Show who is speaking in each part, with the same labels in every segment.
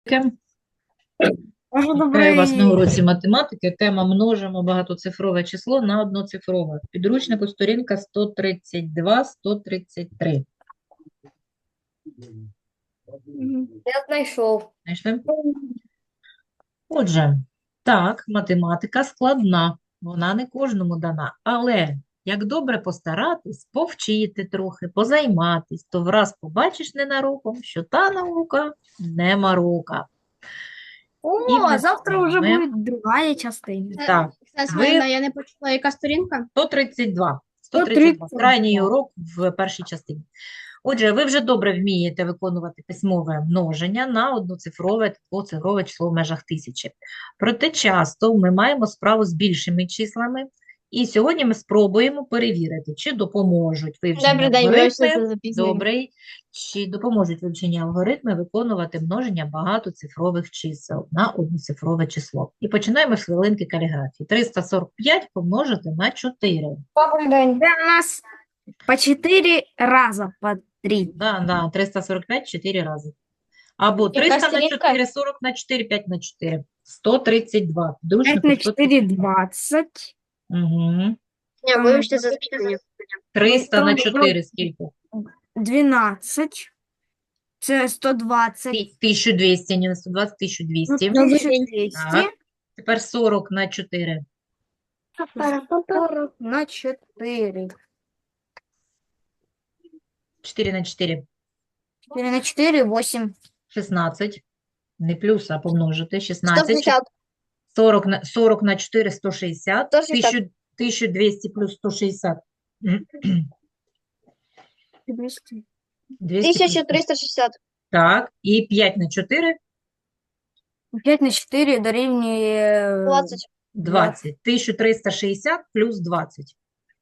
Speaker 1: Боже
Speaker 2: Вітаю вас на
Speaker 1: добрий.
Speaker 2: уроці математики. Тема «Множимо багатоцифрове число на одноцифрове». Підручнику сторінка 132-133.
Speaker 1: Я знайшов.
Speaker 2: Знайшли? Отже, так, математика складна, вона не кожному дана. Але як добре постаратись, повчити трохи, позайматись, то враз побачиш ненароком, що та наука не марука. І
Speaker 1: О,
Speaker 2: ми з
Speaker 1: завтра вже
Speaker 2: вами-
Speaker 1: буде друга частина.
Speaker 2: Так,
Speaker 3: Марина, я не почула, яка сторінка?
Speaker 2: 132.
Speaker 1: 132.
Speaker 2: Крайній урок в першій частині. Отже, ви вже добре вмієте виконувати письмове множення на одноцифрове та двоцифрове число в межах тисячі. Проте часто ми маємо справу з більшими числами, і сьогодні ми спробуємо перевірити, чи допоможуть вивчені
Speaker 3: Добрий день,
Speaker 2: алгоритми,
Speaker 3: вибачте за запізнення.
Speaker 2: добрий, чи допоможуть вивчені алгоритми виконувати множення багатоцифрових чисел на одноцифрове число. І починаємо з хвилинки каліграфії. 345 помножити на 4.
Speaker 1: Добрий день. Це у нас по 4 рази по 3.
Speaker 2: Да, 345 4 рази. Або
Speaker 3: Яка
Speaker 2: 300 на
Speaker 3: сторінка?
Speaker 2: 4, 40 на 4, 5 на 4. 132.
Speaker 1: 5
Speaker 2: Підручнику
Speaker 1: на
Speaker 2: 132.
Speaker 1: 4 – 20.
Speaker 2: Угу.
Speaker 3: Ні, вибачте за запізнення.
Speaker 2: 300 на 4 скільки?
Speaker 1: 12. Це 120.
Speaker 2: 1200, не на 120, 1200.
Speaker 1: 1200.
Speaker 2: Так. Тепер 40 на 4.
Speaker 1: 40 на 4.
Speaker 2: 4 на 4.
Speaker 1: 4 на 4 – 8.
Speaker 2: 16. Не плюс, а помножити. 16.
Speaker 3: 150.
Speaker 2: 40 на 4 – 160.
Speaker 3: 160.
Speaker 2: 1200 плюс 160.
Speaker 1: 200.
Speaker 2: 200 плюс
Speaker 3: 1360.
Speaker 2: Так, і 5 на 4
Speaker 1: 5 на 4 дорівнює
Speaker 3: 20.
Speaker 2: 20. 1360 плюс 20.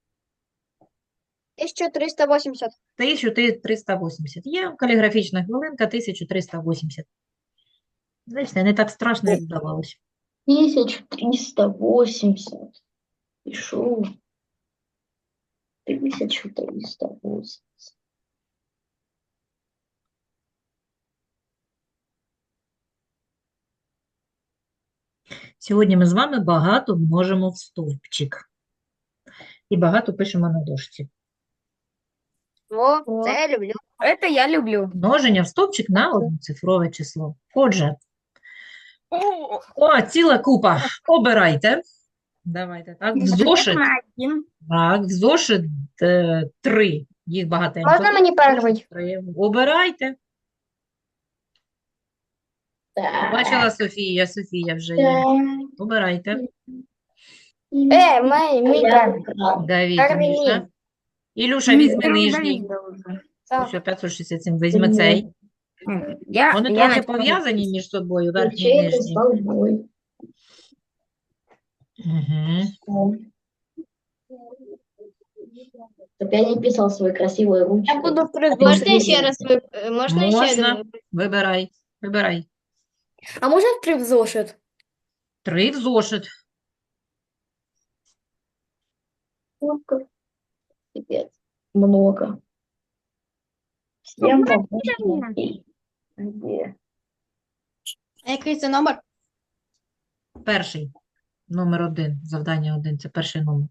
Speaker 3: 1380.
Speaker 2: 1380. Є каліграфічна хвилинка 1380. Знаєте, не так страшно, як здавалося.
Speaker 4: 1380. Пишу. 1380.
Speaker 2: Сьогодні ми з вами багато множимо в стовпчик. І багато пишемо на дошці.
Speaker 3: Це я люблю.
Speaker 1: Це я люблю.
Speaker 2: Множення в стовпчик на одноцифрове число. Отже, ціла купа. Обирайте. Давайте, так. В зошит. Так, в зошит 3. Їх багатенько.
Speaker 3: Можна мені перший?
Speaker 2: 3. Обирайте.
Speaker 4: Так.
Speaker 2: Бачила Софія вже є. Обирайте.
Speaker 3: Мій
Speaker 2: Давід,
Speaker 3: Перший
Speaker 2: Міша. Ілюша, візьми нижній. Ось 567. Візьми цей. Вони трохи пов'язані між собою, верхній і
Speaker 4: Ячейка
Speaker 2: нижній.
Speaker 4: столбой.
Speaker 2: Угу.
Speaker 4: Чтоб я не писал своей красивой ручкой.
Speaker 3: Я буду Можна ще раз Можна ще
Speaker 2: Можна.
Speaker 3: один?
Speaker 2: Вибирай. Вибирай.
Speaker 1: А можна 3 в зошит?
Speaker 2: 3 в зошит.
Speaker 4: Сколько? Пипец. Много. Всем помощники. Где?
Speaker 3: А який це номер?
Speaker 2: Перший. Номер 1. Завдання 1. Це перший номер.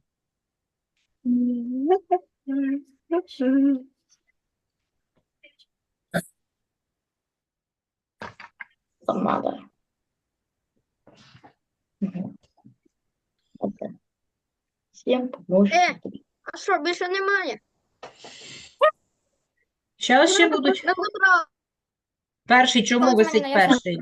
Speaker 4: Там надо. Это. Всем помощники.
Speaker 3: А що, більше немає?
Speaker 2: Зараз ще будуть.
Speaker 3: Ну, добре.
Speaker 2: Перший чому
Speaker 3: Ось
Speaker 2: висить
Speaker 3: мене, я
Speaker 2: перший?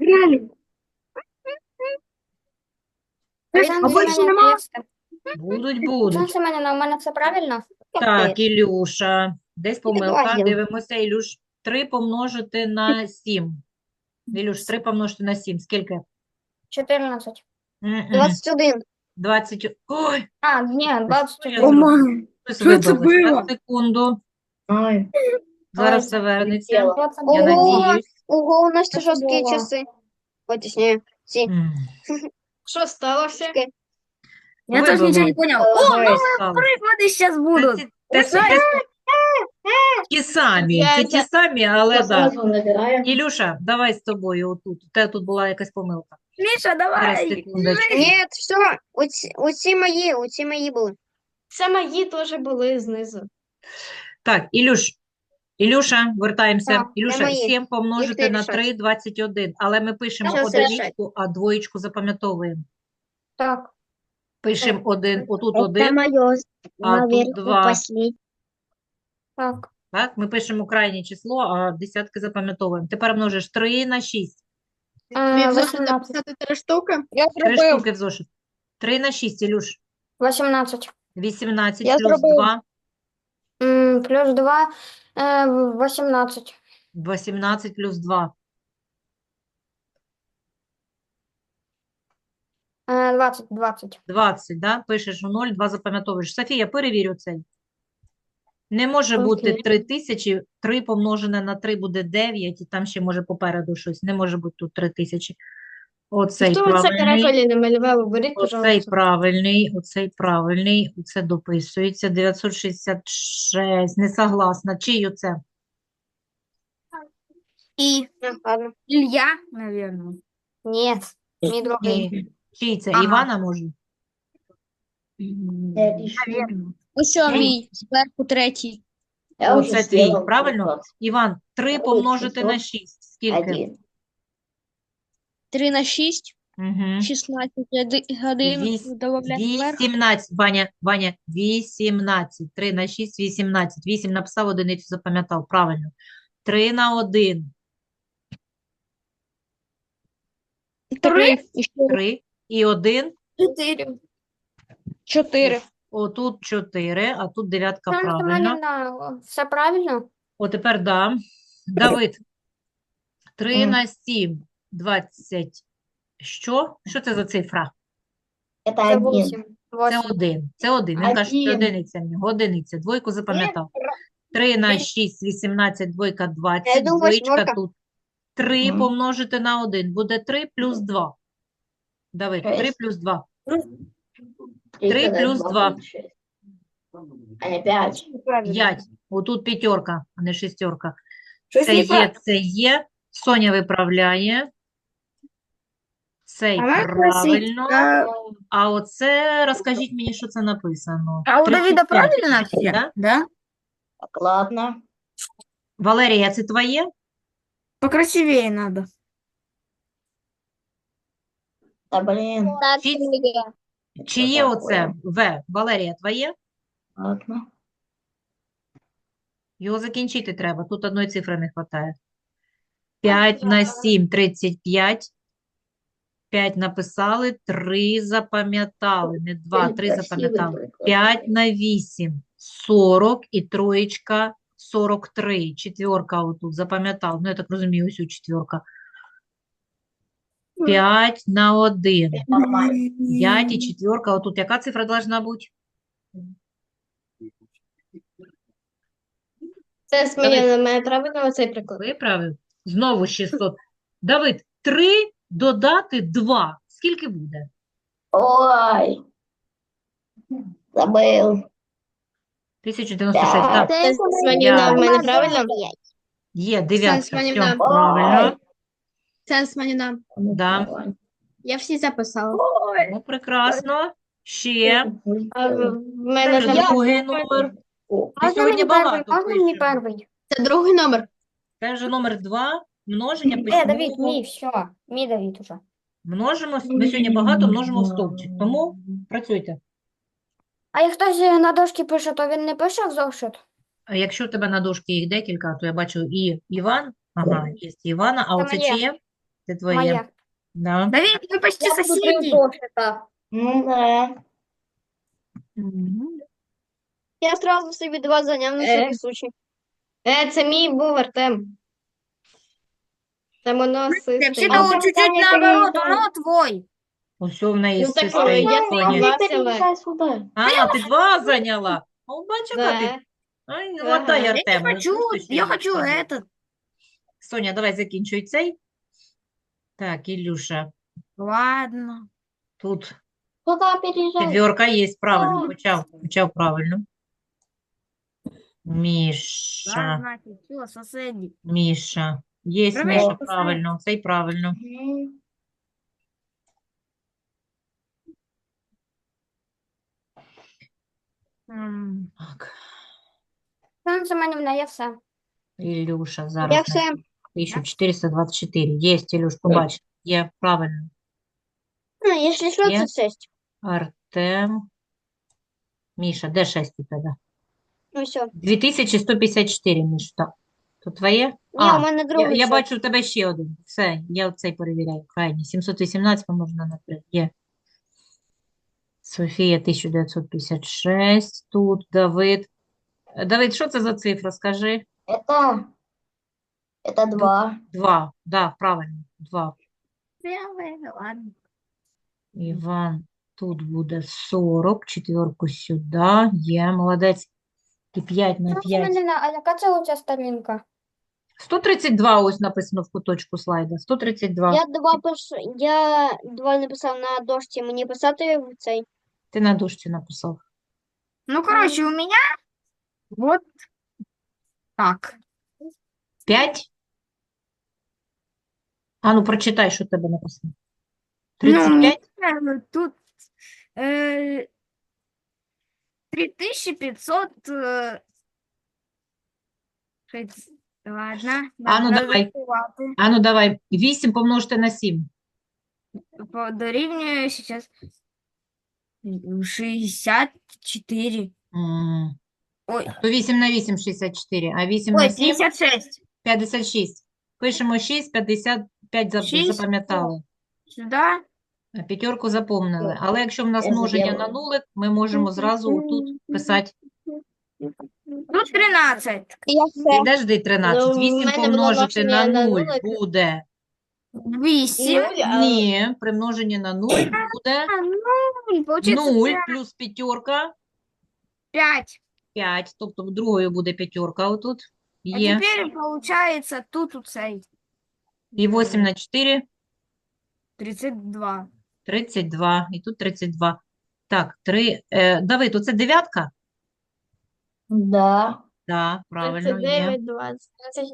Speaker 1: А більше нема?
Speaker 2: Будуть.
Speaker 3: Семенівна, у мене все правильно?
Speaker 2: Так, Ілюша. Десь помилка.
Speaker 3: розділ.
Speaker 2: Дивимося, Ілюш. 3 помножити на 7. Ілюш, 3 помножити на 7. Скільки?
Speaker 3: 14.
Speaker 2: М-м.
Speaker 3: 21.
Speaker 2: 20. Ой,
Speaker 3: А, ні,
Speaker 2: я
Speaker 3: 21.
Speaker 2: зробила. Щось
Speaker 1: Що це
Speaker 2: вибилось.
Speaker 1: було?
Speaker 2: На секунду.
Speaker 4: Ай,
Speaker 2: Зараз
Speaker 3: Ой,
Speaker 2: все вернеться.
Speaker 4: дело.
Speaker 2: Я
Speaker 3: Ого,
Speaker 2: надіюсь.
Speaker 3: ого, у нас це жорсткі
Speaker 1: Ого.
Speaker 3: часи. Ой, точніше, ці.
Speaker 2: М.
Speaker 3: Що сталося?
Speaker 1: Я теж нічого не понял. О,
Speaker 2: Ой,
Speaker 1: новые
Speaker 2: стало.
Speaker 1: приклади зараз будуть.
Speaker 2: Те, Ті самі,
Speaker 3: Я
Speaker 2: це ті самі, але да.
Speaker 4: Сразу набираем.
Speaker 2: Ілюша, давай з тобою отут. У тебе тут була якась помилка.
Speaker 1: Миша,
Speaker 2: Зараз,
Speaker 1: давай.
Speaker 2: секундочку.
Speaker 3: Ні, все, оці мої були. Це мої теж були знизу.
Speaker 2: Так, Ілюша, вертаємося.
Speaker 3: Так,
Speaker 2: Ілюша,
Speaker 3: це мої.
Speaker 2: 7 помножити
Speaker 3: Їх
Speaker 2: на
Speaker 3: рішать.
Speaker 2: 3 – 21. Але ми пишемо
Speaker 3: Щас
Speaker 2: одиничку, а двоєчку запам'ятовуємо.
Speaker 3: Так.
Speaker 2: Пишемо один, отут
Speaker 3: Это
Speaker 2: 1,
Speaker 3: мое
Speaker 2: а тут
Speaker 3: наверху
Speaker 2: 2.
Speaker 3: последнее. Так.
Speaker 2: Так, ми пишемо крайнє число, а десятки запам'ятовуємо. Тепер множиш 3 на 6.
Speaker 3: Тобі в зошит
Speaker 1: 18.
Speaker 3: написати 3 штуки? Я
Speaker 2: 3 штуки в зошит. 3 на 6, Ілюш.
Speaker 1: 18.
Speaker 2: 18
Speaker 3: Я
Speaker 2: плюс
Speaker 3: зробив.
Speaker 2: 2.
Speaker 1: Плюс 2, 18.
Speaker 2: 18 плюс 2.
Speaker 1: 20, 20.
Speaker 2: 20, да? Пишеш у 0, 2 запам'ятовуєш. Софія, перевірю цей. Не може бути
Speaker 3: Окей.
Speaker 2: 3000, 3 помножене на 3 буде 9, і там ще може попереду щось. Не може бути тут 3000. Оцей
Speaker 3: Хто це
Speaker 2: правильний,
Speaker 3: каракулі намалював? Беріть,
Speaker 2: оцей
Speaker 3: пожалуйста.
Speaker 2: правильний, оцей правильний, оце дописується. 966, не согласна. Чий оце?
Speaker 1: И
Speaker 3: Ладно.
Speaker 1: Илья, наверное.
Speaker 3: Нет, мій другий.
Speaker 2: Ні. Чий це?
Speaker 1: Ага.
Speaker 2: Івана, може?
Speaker 4: Я пишу.
Speaker 1: Наверное.
Speaker 3: Ось мій, зверху третій.
Speaker 4: Я уже
Speaker 2: Оце твій,
Speaker 4: сделал
Speaker 2: правильно? Іван, 3
Speaker 4: Я
Speaker 2: помножити на
Speaker 4: вийшов.
Speaker 2: 6. Скільки?
Speaker 4: 1.
Speaker 3: 3 на 6,
Speaker 2: Угу.
Speaker 3: 16 годин. Добавляємо вверх.
Speaker 2: 18, Ваня, 18. 3 на 6, 18. 8 написав, одиницю запам'ятав. Правильно. 3 на 1.
Speaker 3: 3. І ще
Speaker 2: 3 і 1.
Speaker 1: 4.
Speaker 3: 4.
Speaker 2: Отут 4, а тут дев'ятка
Speaker 1: Там
Speaker 2: правильно.
Speaker 1: все правильно?
Speaker 2: О, тепер да. Давид. 3
Speaker 4: Мгм.
Speaker 2: на 7, 20. Що? Що це за цифра?
Speaker 4: Это
Speaker 1: Це
Speaker 4: 1.
Speaker 1: 8.
Speaker 2: Це 1. Це 1. Він каже, що це
Speaker 4: Один.
Speaker 2: одиниця в нього. Одиниця. Двойку запам'ятав. 3 на 6, 18, двойка 20.
Speaker 3: Я думаю,
Speaker 2: Двоєчка
Speaker 3: восьмерка.
Speaker 2: тут. 3
Speaker 4: Мгм.
Speaker 2: помножити на 1. Буде 3 плюс 2. Давид, 3
Speaker 4: Шесть.
Speaker 2: плюс 2.
Speaker 4: 3
Speaker 2: 3 плюс 2.
Speaker 4: А не 5.
Speaker 2: 5. Отут п'ятерка, а не шестерка.
Speaker 1: Щось
Speaker 2: Це
Speaker 1: не
Speaker 2: є,
Speaker 1: так.
Speaker 2: це є. Соня виправляє. Цей
Speaker 1: Вона
Speaker 2: правильно.
Speaker 1: красива.
Speaker 2: А оце, розкажіть мені, що це написано.
Speaker 1: А у Давида
Speaker 2: 35,
Speaker 1: правильно все?
Speaker 2: да?
Speaker 1: Да?
Speaker 4: Так, ладно.
Speaker 2: Валерія, це твоє?
Speaker 1: Покрасивее надо.
Speaker 4: Да блин.
Speaker 3: Так,
Speaker 2: Чи-
Speaker 3: є.
Speaker 2: Чи
Speaker 4: Що
Speaker 2: є оце
Speaker 4: таке?
Speaker 2: В? Валерія, твоє?
Speaker 4: Ладно.
Speaker 2: Його закінчити треба, тут одної цифри не вистачає. 5 на 7 – 35. 5 написали, 3 запам'ятали. Не 2, 3
Speaker 4: Красивий
Speaker 2: запам'ятали.
Speaker 4: приклад.
Speaker 2: 5 на 8 – 40 і троєчка – 43. Четверка отут запам'ятав. Ну, я так розумію, ось у четверка. 5 на 1. 5 і четверка. Отут яка цифра должна бути?
Speaker 3: Це змінює на мене правильно оцей приклад.
Speaker 2: Виправив. Знову 600. Давид, 3 додати 2. Скільки буде?
Speaker 4: Ой. Забыл.
Speaker 2: 1096.
Speaker 4: Так.
Speaker 2: Так,
Speaker 3: Це змінює в мене правильно?
Speaker 2: є дев'ятка.
Speaker 3: Змінює.
Speaker 2: Все, правильно.
Speaker 3: Це змінює.
Speaker 2: Да.
Speaker 3: Я всі записала.
Speaker 2: Ну, прекрасно. Ще.
Speaker 3: А в
Speaker 2: Це
Speaker 3: мене
Speaker 2: вже
Speaker 3: там...
Speaker 2: другий номер.
Speaker 4: О,
Speaker 2: Ти сьогодні багато
Speaker 1: Можно мне
Speaker 2: пишеш.
Speaker 1: первый?
Speaker 3: Це другий номер.
Speaker 2: Це вже номер 2. Множення
Speaker 1: Давид,
Speaker 2: письмового.
Speaker 1: ми, все. Мій Давид уже.
Speaker 2: Множимо. Ми сьогодні багато множимо в стовпчик. Тому працюйте.
Speaker 1: А як хтось на дошці пише, то він не пише в зошит?
Speaker 2: А якщо в тебе на дошці їх декілька, то я бачу і Іван. Ага, є Івана. А
Speaker 1: Це
Speaker 2: оце
Speaker 1: моє.
Speaker 2: чиє? Це твоє.
Speaker 1: Моя.
Speaker 2: Да.
Speaker 1: Давид, ми почти
Speaker 3: Я буду
Speaker 1: соседи.
Speaker 3: зошита.
Speaker 4: Ну да.
Speaker 2: Мгм.
Speaker 3: Я сразу собі 2 зайняв на всякий случай. Це мій був Артем. Це моносистий.
Speaker 1: Вообще-то он чуть-чуть наоборот, он твой.
Speaker 2: Ось у неї
Speaker 3: Ну, так,
Speaker 2: сестри
Speaker 3: я
Speaker 2: Соня.
Speaker 3: зайняла.
Speaker 4: Ты переезжай сюда.
Speaker 2: А, ти 2 зайняла? О, бач, яка ти.
Speaker 3: Да.
Speaker 2: Ай, не
Speaker 3: Ага.
Speaker 2: хватай,
Speaker 1: Я не
Speaker 2: Артем.
Speaker 1: хочу, я хочу этот.
Speaker 2: Соня, давай закінчуй цей. Так, Ілюша.
Speaker 1: Ладно.
Speaker 2: Тут
Speaker 4: Куда переезжай?
Speaker 2: четверка є, правильно,
Speaker 4: Ой.
Speaker 2: почав правильно. Міша.
Speaker 1: значить, все, сусіді.
Speaker 2: Міша. Є,
Speaker 1: Привіт,
Speaker 2: Міша,
Speaker 1: сусід.
Speaker 2: правильно. Це й правильно. Так.
Speaker 3: Сонце Семенівна, я все.
Speaker 2: Ілюша,
Speaker 3: Я
Speaker 2: зараз
Speaker 3: все.
Speaker 2: знайду. 1424. Є, Ілюш, побач. Є, правильно.
Speaker 3: Ну, якщо що,
Speaker 2: Є.
Speaker 3: це 6.
Speaker 2: Артем. Міша, де 6 у тебе?
Speaker 3: Ну, все.
Speaker 2: 2154, Міш, так. То твоє?
Speaker 3: Ні, у
Speaker 2: А,
Speaker 3: мене
Speaker 2: я
Speaker 3: другий 6.
Speaker 2: бачу, у тебе ще один. Все, я оцей перевіряю. Крайній. 718 помножено на 3. Є. Софія, 1956. Тут Давид. Давид, що це за цифра? Скажи.
Speaker 4: Это 2.
Speaker 2: 2. Да, правильно. 2.
Speaker 1: Ладно.
Speaker 2: Іван, тут буде 40. Четверку сюди. Є, молодець. І 5 на 5.
Speaker 3: Семенівна, а яка це у ця сторінка?
Speaker 2: 132 ось написано в куточку слайда. 132.
Speaker 3: Я 2 написав на дошці, мені писати в цей.
Speaker 2: Ти на дошці написав.
Speaker 1: Ну, короче, у меня вот так.
Speaker 2: 5? А ну прочитай, що в тебе написано.
Speaker 1: Ну, у меня
Speaker 2: 35?
Speaker 1: тут 3500. Ладно,
Speaker 2: А ну
Speaker 1: надо
Speaker 2: давай.
Speaker 1: зарахувати.
Speaker 2: А ну давай. 8 помножити на 7.
Speaker 1: Дорівнює сейчас 64. Ой,
Speaker 2: То 8 на 8 – 64, а 8 на
Speaker 1: ой,
Speaker 2: 7
Speaker 1: 56.
Speaker 2: – 56. Пишемо 6, 55
Speaker 1: 6
Speaker 2: запам'ятали.
Speaker 1: сюда.
Speaker 2: А п'ятерку запомнили. Але якщо в нас
Speaker 4: Я
Speaker 2: множення на
Speaker 4: зробила.
Speaker 2: нулик, ми можемо зразу тут писати.
Speaker 1: Тут 13.
Speaker 3: Я все.
Speaker 2: Підожди, 13.
Speaker 3: Ну, в
Speaker 2: 8
Speaker 3: мене було
Speaker 2: помножити на
Speaker 3: множення на
Speaker 2: 0
Speaker 3: нулик.
Speaker 2: буде.
Speaker 1: 8.
Speaker 2: Ні, при множенні на 0 буде
Speaker 1: Ну, получается
Speaker 2: 0 плюс п'ятерка
Speaker 1: 5.
Speaker 2: 5. Тобто другою буде п'ятерка отут.
Speaker 1: А
Speaker 2: Є.
Speaker 1: теперь получается тут у цей
Speaker 2: І 8 на 4 –
Speaker 1: 32.
Speaker 2: 32. І тут 32. Так, 3. Давид, оце дев'ятка?
Speaker 4: Да.
Speaker 2: Так, правильно, є.
Speaker 3: 20.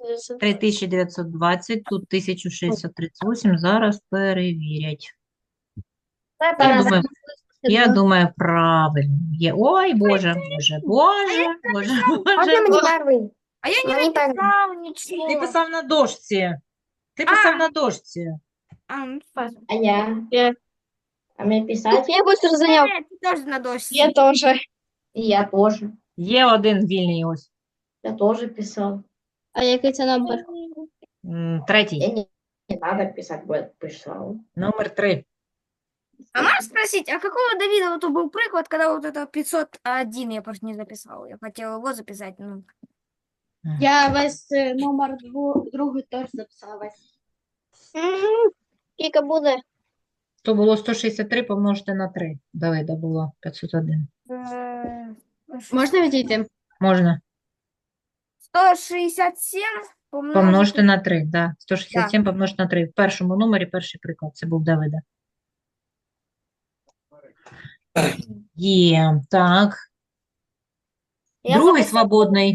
Speaker 2: 3920, тут 1638. Зараз перевірять. Я
Speaker 3: Зараз.
Speaker 2: думаю, правильно є. Ой, Боже, Боже, Боже, Боже,
Speaker 3: Можна мені
Speaker 2: Боже.
Speaker 3: перший?
Speaker 1: А я не
Speaker 3: Мені перший.
Speaker 1: написал
Speaker 2: Ти
Speaker 1: ничего.
Speaker 2: писав на дошці. Ти писав на дошці.
Speaker 1: А, ну,
Speaker 4: А я?
Speaker 3: Я.
Speaker 4: А мне писать?
Speaker 3: Я быстро заняв.
Speaker 1: ты тоже на дождь.
Speaker 3: Я теж.
Speaker 4: И я тоже.
Speaker 2: Є один вільний ось.
Speaker 4: Я тоже писал.
Speaker 3: А який це номер?
Speaker 2: Третій.
Speaker 4: Не надо писать, будет писал.
Speaker 2: Номер 3.
Speaker 1: А можешь спросить, а какого Давида вот был приклад, когда вот это 501 я просто не записал? Я хотела его записать, ну.
Speaker 5: Я весь номер другий теж записала весь.
Speaker 3: Скільки буде?
Speaker 2: То було 163 помножити на 3. Давида було 501.
Speaker 5: Можна відійти?
Speaker 2: Можна
Speaker 1: 167
Speaker 2: помножити на 3. Да. 167 помножити на 3. В першому номері перший приклад. Це був Давида. Є. Так.
Speaker 3: Я
Speaker 2: Другий
Speaker 3: записала.
Speaker 2: свободний.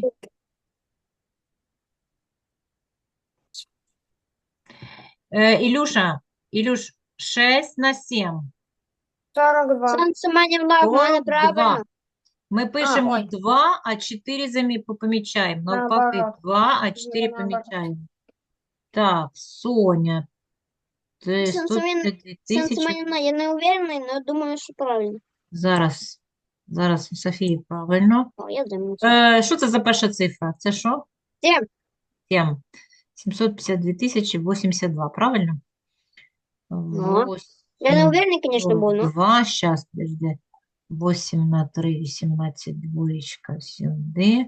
Speaker 2: Ілюш, 6 на 7.
Speaker 1: 42.
Speaker 3: Сан Семенівна, в мене
Speaker 2: 42.
Speaker 3: правильно.
Speaker 2: Ми пишемо
Speaker 1: ой.
Speaker 2: 2, а 4 помічаємо. Навпаки,
Speaker 1: Наоборот.
Speaker 2: 2, а 4
Speaker 1: наоборот.
Speaker 2: помічаємо. Так, Соня. Це
Speaker 3: Сан
Speaker 2: 152
Speaker 3: Сан
Speaker 2: тисячі.
Speaker 3: Семенівна, я не уверена, але думаю, що правильно.
Speaker 2: Зараз у Софії правильно.
Speaker 3: О, я думаю.
Speaker 2: Що це за перша цифра? Це що?
Speaker 3: 7.
Speaker 2: 7. 752 тисячі 82, правильно?
Speaker 3: Ну, Я не уверена, звісно, був, ну.
Speaker 2: 2, зараз, подожди. 8 на 3, 18, двоєчка сюди.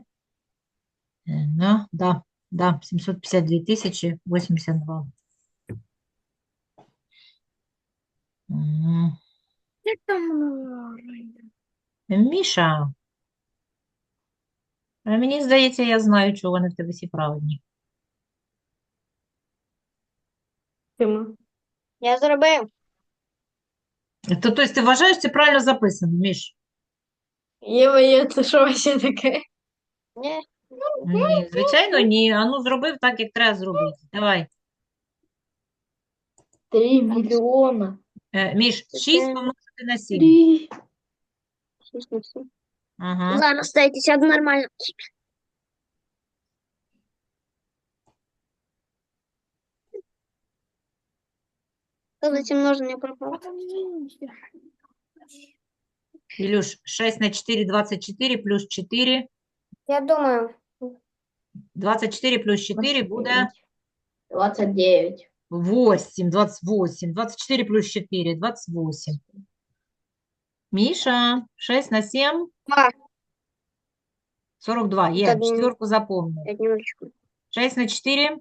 Speaker 2: Да, 752 тисячі 82. Мгм.
Speaker 1: Это много.
Speaker 2: Міша, а мені здається, я знаю, чого вони в тебе всі правильні.
Speaker 3: Я зробив.
Speaker 2: Тобто ти вважаєш, це правильно записано, Міш?
Speaker 5: Є, це що ще таке?
Speaker 3: Ні.
Speaker 2: Ні, звичайно, ні. А ну, зробив так, як треба зробити. Давай.
Speaker 4: 3 миллиона.
Speaker 2: Міш, 6 помножити на 7.
Speaker 4: 3.
Speaker 3: 6 на 7.
Speaker 2: Ага.
Speaker 3: Зараз дайте, сяду нормально. Що за ці множення пропало?
Speaker 2: Ілюш, 6 на 4, 24, плюс 4.
Speaker 1: Я думаю,
Speaker 2: 24 плюс 4 буде
Speaker 4: 29.
Speaker 2: 8, 28. 24 плюс 4, 28. Міша, 6 на 7,
Speaker 3: 2.
Speaker 2: 42. Є,
Speaker 3: Так,
Speaker 2: четверку запомнив.
Speaker 3: 5 минуточку.
Speaker 2: 6 на 4,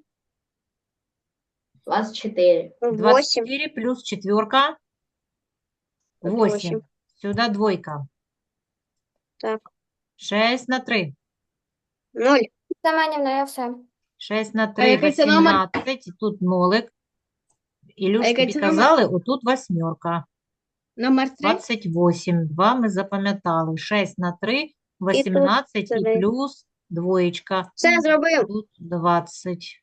Speaker 4: 24.
Speaker 3: 8.
Speaker 2: 24 плюс четверка, 8.
Speaker 3: 8.
Speaker 2: Сюда двойка.
Speaker 3: Так.
Speaker 2: 6 на 3.
Speaker 3: 0.
Speaker 1: Семенівна, я все.
Speaker 2: 6 на
Speaker 5: А
Speaker 2: 3,
Speaker 5: який це номер?
Speaker 2: 18. І тут нолик. Ілюш,
Speaker 5: А який
Speaker 2: тобі
Speaker 5: це номер?
Speaker 2: казали, отут восьмерка.
Speaker 5: Номер 3.
Speaker 2: 28. 2 ми запам'ятали. 6 на 3, 18 і
Speaker 3: три.
Speaker 2: плюс двоєчка.
Speaker 3: Все зробив.
Speaker 2: Тут 20.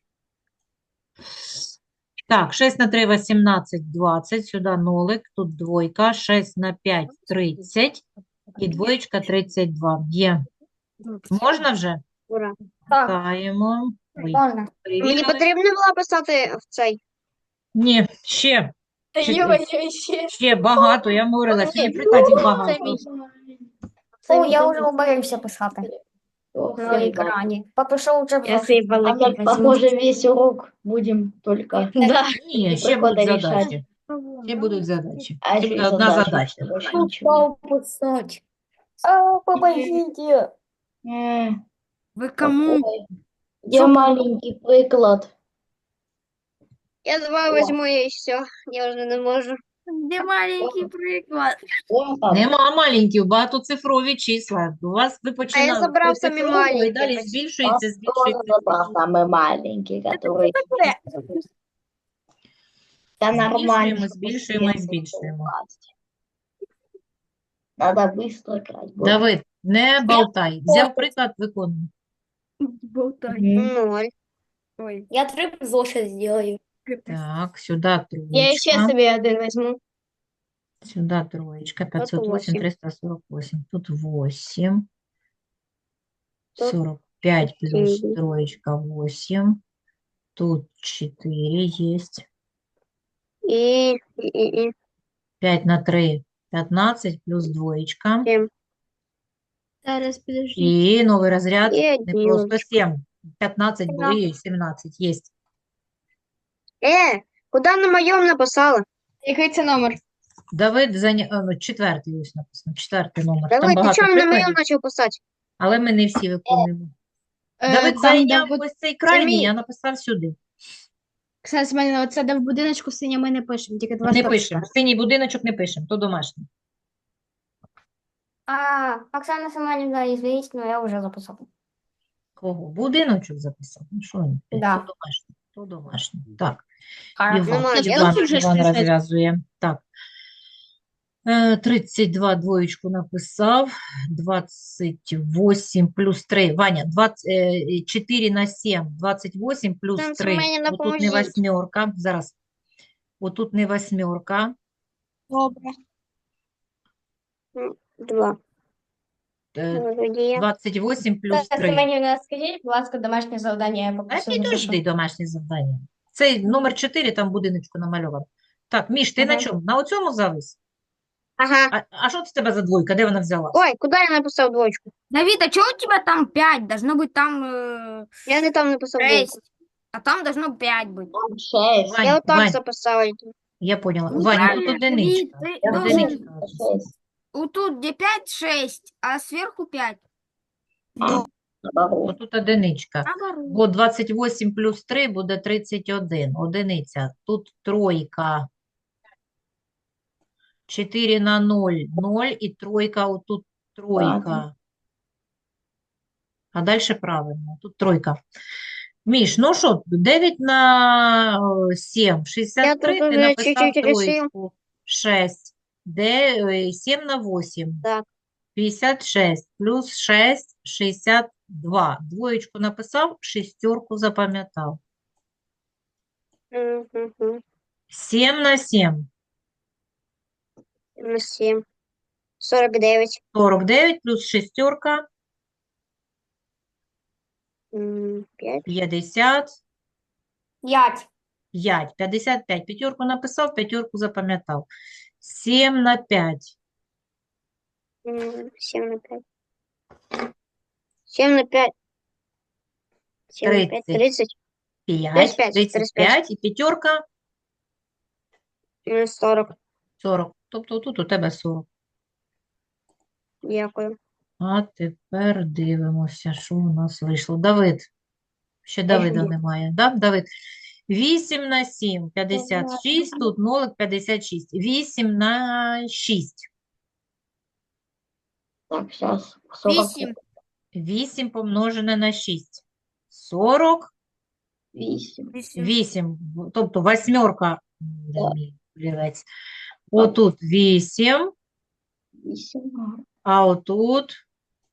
Speaker 2: Так, 6 на 3, 18, 20. Сюди нолик, тут двойка. 6 на 5, 30. І двоєчка 32. Є. Можна вже?
Speaker 3: Ура.
Speaker 1: Так,
Speaker 2: Чекаємо. Ой,
Speaker 1: можна.
Speaker 3: Мені
Speaker 2: перевірили.
Speaker 3: потрібно було писати в цей.
Speaker 2: Ні, ще.
Speaker 1: Ще.
Speaker 2: Ще багато, я говорила, сьогодні прикладів багато.
Speaker 1: О, я вже боюся писати
Speaker 4: Ох,
Speaker 1: на
Speaker 4: я
Speaker 1: екрані. Попишу вже в
Speaker 3: Я
Speaker 1: зошит.
Speaker 3: цей
Speaker 4: А
Speaker 3: балаків
Speaker 4: мы, похоже, весь урок будем только...
Speaker 3: Да.
Speaker 2: Ні, ще
Speaker 4: Приклади
Speaker 2: будуть
Speaker 4: рішати.
Speaker 2: задачі. Ще будуть задачі.
Speaker 4: А
Speaker 2: Це
Speaker 4: еще
Speaker 2: буде одна
Speaker 4: задача,
Speaker 2: задача.
Speaker 4: больше ничего.
Speaker 1: писати. А, помогите. Ви кому?
Speaker 4: Ой, где маленький приклад?
Speaker 3: Я 2 возьму і все. Я вже не можу.
Speaker 1: Де маленький приклад?
Speaker 4: Вон там.
Speaker 2: Нема маленьких, багатоцифрові числа. У вас ви починали
Speaker 3: забрав
Speaker 2: з
Speaker 3: самі
Speaker 2: цифрового і
Speaker 3: маленькі,
Speaker 2: далі
Speaker 3: бачите.
Speaker 2: збільшується,
Speaker 4: Тоже
Speaker 2: збільшується.
Speaker 4: забрал самый маленький, который... Да нормально.
Speaker 2: Збільшуємо і
Speaker 4: чтобы
Speaker 2: збільшуємо.
Speaker 4: попасть. Надо быстро играть.
Speaker 2: Давид, не болтай. Взяв приклад, виконуй.
Speaker 1: Болтай.
Speaker 4: Мгм.
Speaker 3: 0.
Speaker 1: Ой. Я 3 зошит сделаю.
Speaker 2: Так, сюди
Speaker 3: Я ще
Speaker 2: троєчка.
Speaker 3: собі один візьму.
Speaker 2: Сюди троєчка. 508,
Speaker 3: 8.
Speaker 2: 348. Тут 8.
Speaker 3: Тут
Speaker 2: 45 плюс
Speaker 3: 4.
Speaker 2: троечка 8. Тут 4 есть.
Speaker 3: І
Speaker 2: 5 на 3 15 плюс двоечка.
Speaker 3: 7.
Speaker 5: Зараз підожди.
Speaker 2: И новый разряд.
Speaker 3: І
Speaker 2: Не просто
Speaker 3: 1.
Speaker 2: 7. 15 були, 17 есть.
Speaker 3: Куди на моєму написала?
Speaker 5: Який це номер?
Speaker 2: Давид четвертий ось написано. Четвертий номер. Там
Speaker 3: Давай, ти
Speaker 2: багато
Speaker 3: чому на моєму
Speaker 2: прикладів,
Speaker 3: почав писати?
Speaker 2: але ми не всі виконуємо. Давид
Speaker 5: Там,
Speaker 2: зайняв
Speaker 5: де,
Speaker 2: ось цей крайній,
Speaker 3: мій.
Speaker 2: я написав сюди.
Speaker 5: Ксенія Семенівна, оце де в будиночку синя ми не пишемо, тільки два
Speaker 2: Не
Speaker 5: стопчика.
Speaker 2: пишемо. Синій будиночок не пишемо, то домашній.
Speaker 1: А, Оксана Семенівна, извините, но я уже записала.
Speaker 2: Кого? Будиночок записав. Ну, що він?
Speaker 1: Да.
Speaker 2: То домашній. То домашній. Так.
Speaker 1: Хорошо.
Speaker 2: Іван,
Speaker 3: Нема,
Speaker 2: Іван,
Speaker 5: вже
Speaker 2: Іван
Speaker 5: щось
Speaker 2: розв'язує. Так. 32 двоєчку написав. 28 плюс 3. Ваня, 4 на 7. 28 плюс
Speaker 3: Там
Speaker 2: 3.
Speaker 3: Семенівна,
Speaker 2: Отут не
Speaker 3: поможіть.
Speaker 2: восьмерка. Зараз. Отут не восьмерка.
Speaker 5: Добре.
Speaker 3: 2.
Speaker 2: Е, 28 плюс 3.
Speaker 1: Семенівна, скажіть, будь ласка, домашнє завдання я
Speaker 2: А
Speaker 1: попрошу
Speaker 2: підожди домашнє завдання. Це номер 4, там будиночку намальовано. Так, Міш, ти на
Speaker 1: Ага.
Speaker 2: чому? На оцьому завис?
Speaker 3: Ага.
Speaker 2: А що це в тебе за двойка? Де вона взялась?
Speaker 3: Ой, куди я написав двоєчку?
Speaker 1: Давид, а чего у тебя там 5? Должно быть там
Speaker 3: Я не там написав двоєчку.
Speaker 1: 6. А там должно 5 быть.
Speaker 4: Там 6.
Speaker 2: Вань,
Speaker 3: Я отак
Speaker 2: Вань,
Speaker 3: записала.
Speaker 2: я поняла.
Speaker 1: Ну,
Speaker 2: Ваня,
Speaker 1: правильно,
Speaker 2: тут одиничка.
Speaker 1: Давид, ты
Speaker 4: Я
Speaker 1: должен...
Speaker 2: Одиничка.
Speaker 4: 6.
Speaker 1: Вот тут где 5, 6, а сверху 5.
Speaker 4: Наоборот.
Speaker 2: Отут одиничка.
Speaker 1: Наоборот.
Speaker 2: Бо 28 плюс 3 буде 31. Одиниця. Тут тройка. 4 на 0. 0 і тройка. Отут тройка.
Speaker 4: Ладно.
Speaker 2: А далі правильно. Тут тройка. Міш, ну що, 9 на 7. 63
Speaker 3: Я
Speaker 2: ти
Speaker 3: тут
Speaker 2: написав
Speaker 3: чуть-чуть рисую.
Speaker 2: троєчку. 6. Де 7 на 8.
Speaker 3: Так.
Speaker 2: 56 плюс 6 – 62. Двоєчку написав, шестерку запам'ятав. 7 на 7
Speaker 3: На 7. 49.
Speaker 2: – 49 плюс шестерка –
Speaker 3: 5.
Speaker 2: 50.
Speaker 1: 5.
Speaker 2: 5. 55. П'ятерку написав, п'ятерку запам'ятав. 7 на 5.
Speaker 3: 7 на 5. 7 на 5. 7 на 5. 30.
Speaker 2: 5.
Speaker 3: 35.
Speaker 2: 35. І п'ятерка
Speaker 3: 40.
Speaker 2: 40. Тобто тут у тебе 40.
Speaker 3: Дякую.
Speaker 2: А тепер дивимося, що у нас вийшло. Давид. Ще Давида немає. Да? Давид. 8 на 7 – 56. Тут нолик 56. 8 на 6.
Speaker 4: Так, сейчас 40.
Speaker 1: 8.
Speaker 2: 8 помножене на 6. 40.
Speaker 4: 8.
Speaker 2: 8. Тобто восьмерка. Мій олівець. Отут 8.
Speaker 4: 8.
Speaker 2: А отут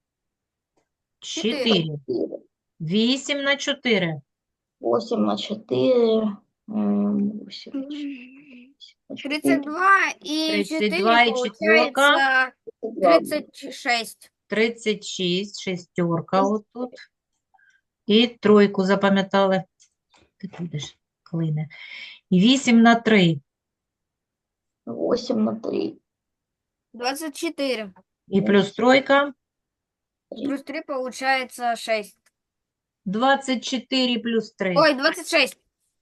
Speaker 1: 4.
Speaker 2: 4. 8 на 4.
Speaker 4: 8 на 4. 8 на 4.
Speaker 1: 32 и
Speaker 2: 32
Speaker 1: 4
Speaker 2: и четверка.
Speaker 1: получается 36.
Speaker 2: 36, шестерка отут. І тройку запам'ятали. Ти будеш, клине. 8 на 3.
Speaker 4: 8 на 3.
Speaker 1: 24.
Speaker 2: І плюс тройка.
Speaker 1: Плюс 3 получается 6.
Speaker 2: 24 плюс 3.
Speaker 1: Ой, 26.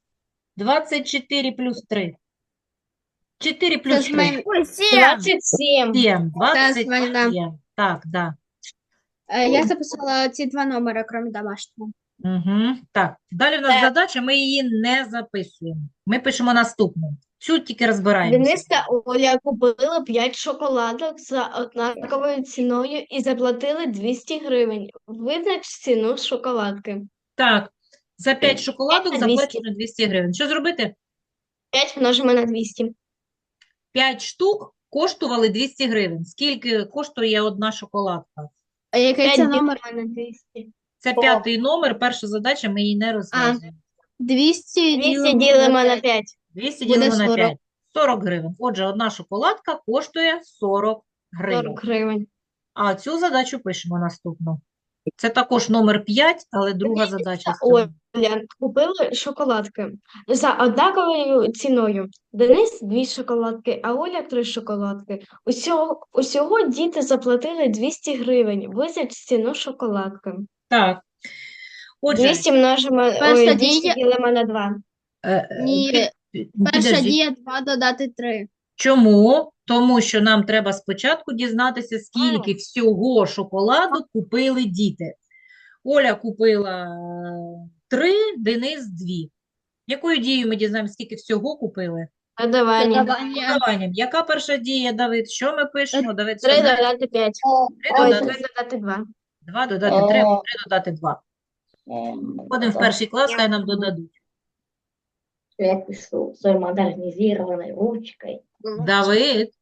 Speaker 2: 24 плюс 3. 4 плюс
Speaker 5: Це з
Speaker 2: 3.
Speaker 5: мене-
Speaker 1: Ой, 7.
Speaker 3: 27.
Speaker 2: 7.
Speaker 5: Це з мене, да.
Speaker 2: 27. Так, да.
Speaker 5: Я записала ці два номери, крім домашнього.
Speaker 2: Угу. Так, далі в нас задача, ми її не записуємо. Ми пишемо наступну. Цю тільки розбираємося.
Speaker 3: Денис та Оля купили 5 шоколадок за однаковою ціною і заплатили 200 гривень. Визнач ціну шоколадки.
Speaker 2: Так, за 5 шоколадок
Speaker 3: на 200.
Speaker 2: заплачено 200 гривень. Що зробити?
Speaker 3: 5 множимо на 200.
Speaker 2: 5 штук коштували 200 гривень. Скільки коштує одна шоколадка?
Speaker 5: А який
Speaker 3: 5
Speaker 5: це номер?
Speaker 3: на 200.
Speaker 2: Це 5-й номер, перша задача, ми її не розв'язуємо.
Speaker 5: 200
Speaker 3: 200 ділимо на 5.
Speaker 2: 200
Speaker 5: Буде
Speaker 2: ділимо на
Speaker 5: 40.
Speaker 2: 5. 40 гривень. Отже, одна шоколадка коштує 40 гривень.
Speaker 3: 40 гривень.
Speaker 2: А цю задачу пишемо наступну. Це також номер 5, але друга задача з цього.
Speaker 3: Оля купили шоколадки за однаковою ціною. Денис 2 шоколадки, а Оля 3 шоколадки. Усього діти заплатили 200 гривень. Визнач ціну шоколадки.
Speaker 2: Так. Отже,
Speaker 3: 200 множимо,
Speaker 5: Перша
Speaker 3: 200
Speaker 5: дія-
Speaker 3: ділимо на 2.
Speaker 5: Ні, перша
Speaker 2: підожди.
Speaker 5: дія 2 додати 3.
Speaker 2: Чому? Тому що нам треба спочатку дізнатися, скільки всього шоколаду купили діти. Оля купила 3, Денис 2. Якою дією ми дізнаємося, скільки всього купили?
Speaker 3: Додавання.
Speaker 5: Додавання.
Speaker 2: Додаванням. Яка перша дія, Давид? Що ми пишемо? Давид,
Speaker 3: 3
Speaker 2: що знає?
Speaker 3: додати 5.
Speaker 2: 3
Speaker 3: Ой,
Speaker 2: додати
Speaker 3: 3 додати 2.
Speaker 2: 2, додати 3, 3 додати 2. Ходимо в перший клас, хай нам додадуть.
Speaker 4: Я пишу своей модернизированной ручкой.
Speaker 2: Давид,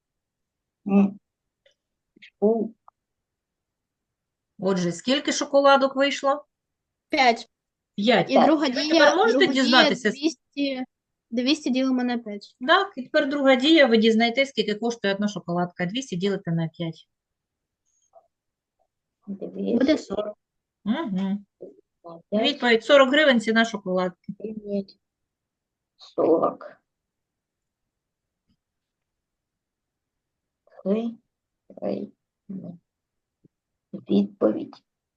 Speaker 4: Пишу.
Speaker 2: отже, скільки шоколадок вийшло?
Speaker 5: 5.
Speaker 2: 5.
Speaker 5: І друга
Speaker 2: Ви
Speaker 5: дія,
Speaker 2: тепер можете
Speaker 5: друга дія
Speaker 2: дізнатися?
Speaker 5: 200 ділимо на 5.
Speaker 2: Так, і тепер друга дія, ви дізнаєтесь, скільки коштує одна шоколадка. 200 ділите на 5.
Speaker 5: Буде 40.
Speaker 2: Угу. Відповідь 40 гривень ціна шоколадки.
Speaker 4: 40. Гривень. Відповідь.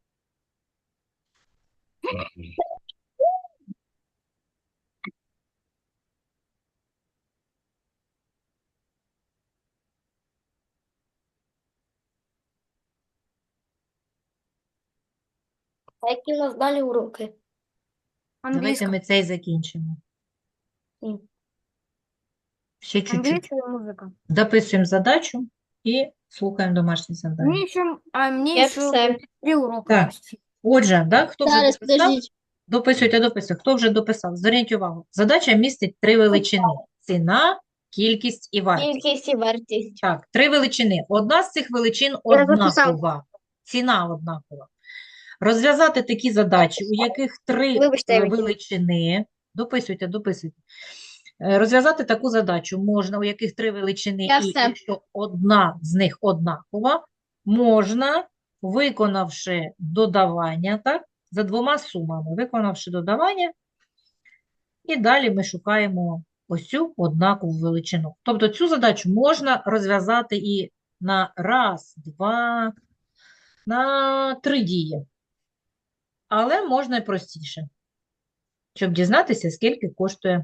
Speaker 1: А які у нас далі уроки?
Speaker 2: Давайте
Speaker 1: Англійська.
Speaker 2: ми цей закінчимо.
Speaker 1: Ні.
Speaker 2: Ще чуть-чуть.
Speaker 1: Англійська і музика.
Speaker 2: Дописуємо задачу і слухаємо домашні завдання.
Speaker 1: Мне
Speaker 3: Я
Speaker 1: еще
Speaker 3: все.
Speaker 1: 3 урока.
Speaker 2: Так. Отже, да, хто вже
Speaker 5: Зараз,
Speaker 2: дописав?
Speaker 5: подождіть.
Speaker 2: Дописуйте. Хто вже дописав? Зверніть увагу. Задача містить 3 величини. Ціна, Кількість і вартість.
Speaker 3: Кількість і вартість.
Speaker 2: Так, три величини. Одна з цих величин
Speaker 1: Я записав.
Speaker 2: однакова. Ціна однакова. Розв'язати такі задачі, у яких три
Speaker 1: Вибачте, я
Speaker 2: величини. Дописуйте. Розв'язати таку задачу можна, у яких три величини,
Speaker 5: Я
Speaker 2: і
Speaker 5: все.
Speaker 2: якщо одна з них однакова, можна, виконавши додавання, так, за двома сумами, виконавши додавання, і далі ми шукаємо ось цю однакову величину. Тобто цю задачу можна розв'язати і на раз, два, на три дії. Але можна і простіше, щоб дізнатися, скільки коштує.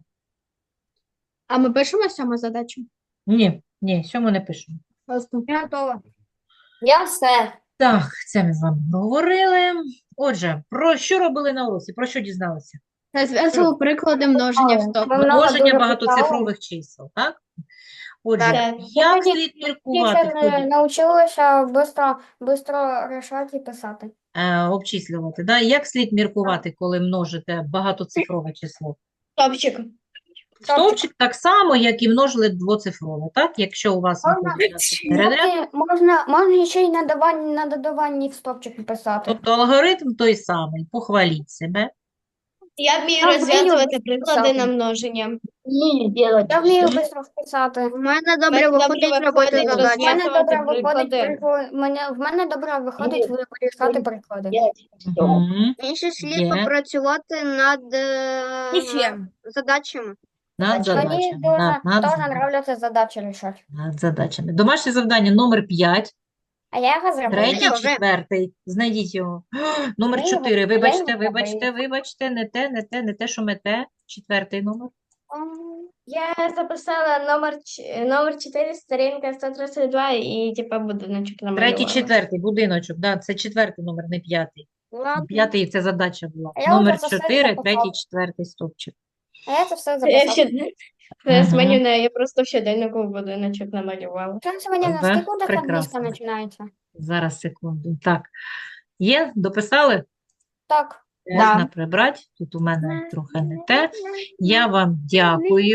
Speaker 5: А ми пишемо сьому задачу?
Speaker 2: Ні, сьому не пишемо.
Speaker 5: Просто.
Speaker 1: Я готова.
Speaker 4: Я все.
Speaker 2: Так, це ми з вами говорили. Отже, про що робили на уроці? Про що дізналися?
Speaker 5: Розв'язували приклади множення в стопах.
Speaker 1: Много
Speaker 2: Множення
Speaker 1: дуже
Speaker 2: багатоцифрових чисел, так? Отже,
Speaker 3: Так.
Speaker 2: як
Speaker 1: Тоді
Speaker 2: слід міркувати в ході?
Speaker 1: Навчилася быстро рішати і писати.
Speaker 2: Обчислювати, да? Як слід міркувати, коли множите багатоцифрове число?
Speaker 3: Стопчик.
Speaker 2: Стовпчик так само, як і множили двоцифрове, так? Якщо у вас
Speaker 1: Можна-
Speaker 2: виходить передряд,
Speaker 1: Можна ще й на додаванні в стопчик писати.
Speaker 2: тобто алгоритм той самий, похваліть себе.
Speaker 3: Я вмію
Speaker 1: Я вмію
Speaker 3: розв'язувати приклади
Speaker 1: писати.
Speaker 3: на множення.
Speaker 4: Не делать.
Speaker 1: Я вмію швидко вписати.
Speaker 5: У мене
Speaker 3: Мене
Speaker 5: добре
Speaker 3: добре
Speaker 5: виходить робити
Speaker 3: виходить
Speaker 1: В
Speaker 5: задачі.
Speaker 1: мене добре
Speaker 3: приклади.
Speaker 1: виходить в мене добре виходить вирішати приклади.
Speaker 4: Делать все.
Speaker 2: Мгм.
Speaker 5: І ще слід
Speaker 2: Є.
Speaker 5: попрацювати над
Speaker 1: І ще.
Speaker 5: задачами.
Speaker 2: Над
Speaker 1: Мені
Speaker 2: задачами,
Speaker 1: дуже
Speaker 2: над
Speaker 1: теж
Speaker 2: задачами,
Speaker 1: нравляться задачі рішати.
Speaker 2: над задачами. Домашнє завдання номер 5,
Speaker 1: А я його зробила.
Speaker 2: третій,
Speaker 5: Я вже.
Speaker 2: четвертий. Знайдіть його. Номер
Speaker 1: Я його-
Speaker 2: 4,
Speaker 1: я
Speaker 2: вибачте,
Speaker 1: його
Speaker 2: вибачте, не те, що мете. Четвертий номер.
Speaker 3: Я записала номер 4, сторінка 132 і типа будиночок намалювала.
Speaker 2: Третій, четвертий, будиночок, да, це четвертий номер, не п'ятий.
Speaker 5: Ладно.
Speaker 2: П'ятий це задача була.
Speaker 1: А я
Speaker 2: Номер
Speaker 1: вже це все
Speaker 2: 4,
Speaker 1: записала.
Speaker 2: третій, четвертий стовпчик.
Speaker 1: А я це все
Speaker 3: Я
Speaker 1: записала.
Speaker 3: ще
Speaker 2: Ага.
Speaker 3: з меню я просто в щоденнику будиночок намалювала.
Speaker 1: Що сьогодні на
Speaker 2: Ага,
Speaker 1: скільки у тебе
Speaker 2: прекрасно.
Speaker 1: англійська починається?
Speaker 2: Зараз, секунду. Так, є? Дописали?
Speaker 1: Так.
Speaker 2: Можна прибрати. Тут у мене трохи не те. Я вам дякую.